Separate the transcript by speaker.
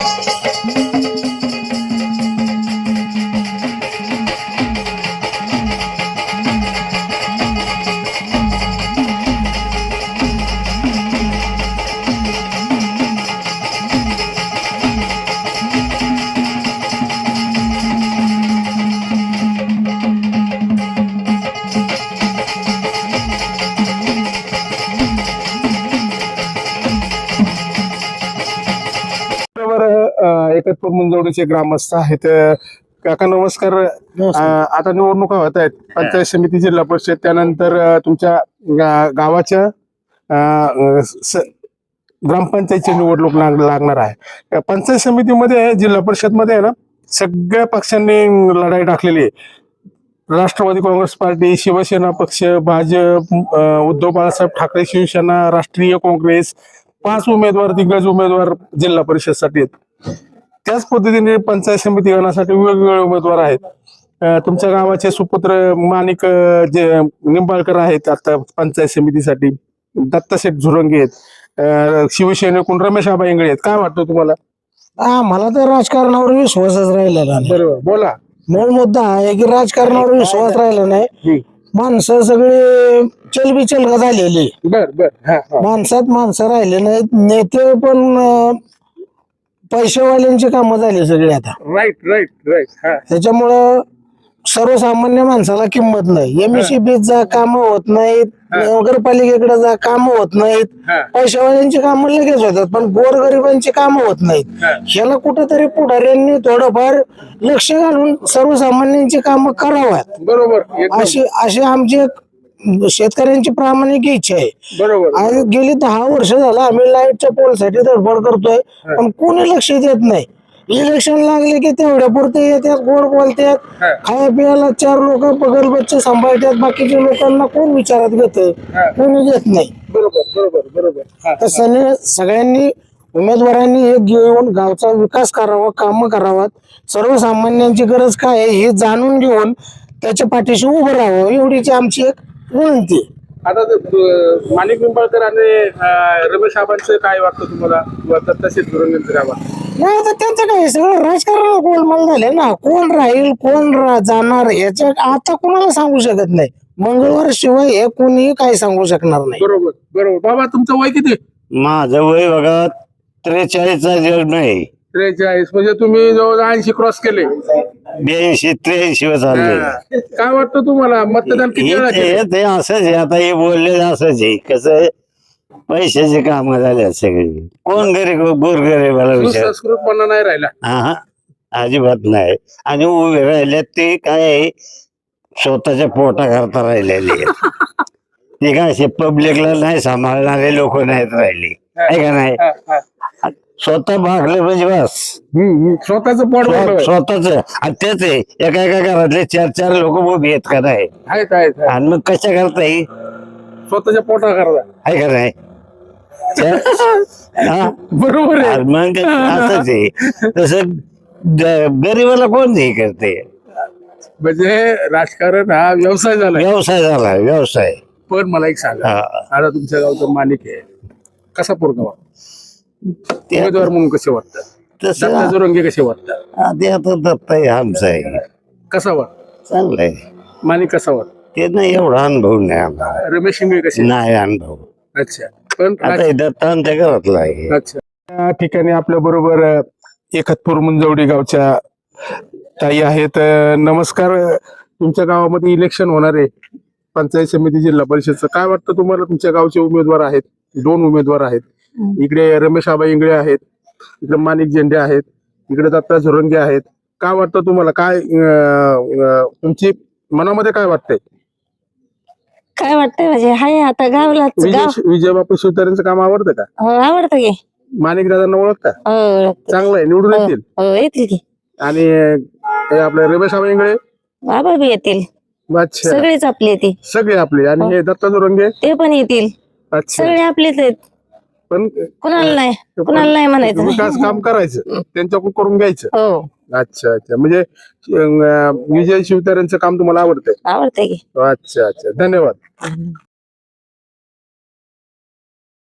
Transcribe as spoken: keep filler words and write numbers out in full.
Speaker 1: एकतपूर मुंजवडीचे ग्रामस्थ आहेत. काका नमस्कार. आता निवडणुका होत आहेत, पंचायत समिती, जिल्हा परिषद, त्यानंतर तुमच्या गावाच्या ग्रामपंचायतची निवडणूक लागणार आहे. पंचायत समितीमध्ये, जिल्हा परिषद मध्ये आहे ना, सगळ्या पक्षांनी लढाई टाकलेली आहे. राष्ट्रवादी काँग्रेस पार्टी, शिवसेना पक्ष, भाजप, उद्धव बाळासाहेब ठाकरे शिवसेना, राष्ट्रीय काँग्रेस, पाच उमेदवार, दिग्गज उमेदवार जिल्हा परिषदसाठी आहेत. त्याच पद्धतीने पंचायत समिती गणासाठी वेगवेगळे उमेदवार आहेत. तुमच्या गावाचे सुपुत्र माणिक जे निंबाळकर आहेत आता पंचायत समितीसाठी, दत्ताशेठ झुरंगे आहेत, शिवसेनेकडून रमेश आबा इंगळे आहेत. काय वाटतं तुम्हाला?
Speaker 2: हा, मला तर राजकारणावर विश्वासच राहिलेला नाही.
Speaker 1: बरोबर, बोला.
Speaker 2: मूळ मुद्दा आहे की राजकारणावर विश्वास राहिला नाही. माणसं सगळे चलबिचल झालेली.
Speaker 1: बर बर
Speaker 2: माणसात माणसं राहिले नाहीत. नेते पण पैशावाल्यांची कामं झाली सगळी आता.
Speaker 1: राईट राईट राईट
Speaker 2: त्याच्यामुळं सर्वसामान्य माणसाला किंमत नाही. एमएससीबी जा काम होत नाहीत, नगरपालिकेकडे जा काम होत नाहीत. पैशावाल्यांची कामं लगेच होतात, पण गोरगरिबांची कामं होत नाहीत. ह्याला कुठेतरी पुढाऱ्यांनी थोडंफार लक्ष घालून सर्वसामान्यांची कामं कराव्यात.
Speaker 1: बरोबर.
Speaker 2: अशी अशी आमची शेतकऱ्यांची प्रामाणिक इच्छा आहे.
Speaker 1: बरोबर.
Speaker 2: आणि गेली दहा वर्ष झालं आम्ही लाईटच्या पोलसाठी धडपड करतोय, पण कोणी लक्ष देत नाही. इलेक्शन लागले की तेवढ्या पुरते येतात, गोड बोलतात, खाया पियाला चार लोक पगल बच्चे सांभाळतात, बाकीच्या लोकांना कोण विचारात घेत? कोणी घेत नाही.
Speaker 1: बरोबर बरोबर बरोबर.
Speaker 2: तसं सगळ्यांनी उमेदवारांनी हे घेऊन गावचा विकास करावा, काम करावात. सर्वसामान्यांची गरज काय आहे हे जाणून घेऊन त्याच्या पाठीशी उभं राहावं, एवढीची आमची एक विनंती.
Speaker 1: आता माणिक निंबाळकर आणि रमेश आबांचं काय वाटतं तुम्हाला? दत्ताशेठ झुरंगेंचं काय वाटतं?
Speaker 2: नाही, आता त्यांचं काय सगळं राजकारण गोलमाल झाले ना. कोण राहील, कोण जाणार, याच्या आता कोणाला सांगू शकत नाही. मंगळवार शिवाय हे कोणीही काही सांगू शकणार नाही.
Speaker 1: बरोबर बरोबर. बाबा, तुमचं वय किती?
Speaker 3: माझं वय बघा त्रेचाळीसचा जग नाही.
Speaker 1: त्रेचाळीस म्हणजे तुम्ही जवळ ऐंशी क्रॉस केले.
Speaker 3: ब्याऐंशी त्र्याऐंशी वर चालले.
Speaker 1: काय वाटतं तुम्हाला? मतदान किती वेळा केलं?
Speaker 3: ते असंच आहे. आता हे बोलले असंच आहे. कसं पैशाची कामं झाल्या सगळी. कोण गरीब गोरगरीबाला विचार
Speaker 1: संस्कृतपणा नाही राहिला.
Speaker 3: हा, अजिबात नाही. आणि उभे राहिल्यात ते काय स्वतःच्या पोटा करता राहिलेले. ते काय असे पब्लिकला नाही सांभाळणारे लोक नाहीत राहिले, आहे का नाही? स्वतः भागले म्हणजे बस.
Speaker 1: स्वतःच पोट
Speaker 3: स्वतःच. आणि तेच आहे, एका एका घरातले चार चार लोक उभी आहेत का नाही? आणि मग कशा करता येईल?
Speaker 1: स्वतःच्या पोटा करता,
Speaker 3: आहे का नाही?
Speaker 1: बरोबर आहे.
Speaker 3: मग असंच आहे. तसं गरीबाला कोण हे करते?
Speaker 1: म्हणजे राजकारण हा व्यवसाय झाला.
Speaker 3: व्यवसाय झाला, व्यवसाय.
Speaker 1: पण मला एक सांगा, आता तुमच्या गावचं माणिक आहे, कसा पोरगा वाटतो? उमेदवार म्हणून कसे वाटतात? दत्ता झुरंगे कसे वाटतात?
Speaker 3: ते आता दत्ता आहे आमचा आहे.
Speaker 1: कसा वाटत?
Speaker 3: चांगलंय.
Speaker 1: माणिक कसा वाटत?
Speaker 3: ते नाही, एवढा अनुभव नाही आम्हाला.
Speaker 1: रमेश इंगळे कसे?
Speaker 3: नाही अनुभव.
Speaker 1: अच्छा. पण
Speaker 3: आता दत्ता आमच्या घरातला आहे.
Speaker 1: अच्छा. या ठिकाणी आपल्या बरोबर एकतपूर मुंजवडी गावच्या ताई आहेत. नमस्कार. तुमच्या गावामध्ये इलेक्शन होणार आहे, पंचायत समिती, जिल्हा परिषदचं. काय वाटतं तुम्हाला? तुमच्या गावचे उमेदवार आहेत, दोन उमेदवार आहेत. इकडे रमेश आबा इंगळे आहेत, इकडे माणिक झेंडे आहेत, इकडे दत्ता झुरंगे आहेत. काय वाटतं तुम्हाला? काय तुमची मनामध्ये काय वाटतंय?
Speaker 4: काय वाटतंय म्हणजे हाय आता गावला
Speaker 1: विजय बापू शिवतारेंचं काम आवडतं का?
Speaker 4: आवडतं की.
Speaker 1: माणिक दादांना ओळखता? चांगलं आहे, निवडून येतील.
Speaker 4: येतील की.
Speaker 1: आणि आपले रमेश आबा इंगळे
Speaker 4: बाबा बी येतील.
Speaker 1: अच्छा,
Speaker 4: सगळेच आपले येतील.
Speaker 1: सगळे आपले. आणि हे दत्ता झुरंगे
Speaker 4: ते पण येतील.
Speaker 1: अच्छा,
Speaker 4: सगळे आपलेच आहेत.
Speaker 1: पण
Speaker 4: कुणाला नाही, कुणाला नाही म्हणायचं.
Speaker 1: विकास काम करायचं, त्यांच्याकडून करून घ्यायचं.
Speaker 4: हो.
Speaker 1: अच्छा अच्छा. म्हणजे विजय शिवतारेंचं काम तुम्हाला आवडतंय?
Speaker 4: आवडतंय की.
Speaker 1: अच्छा अच्छा. धन्यवाद.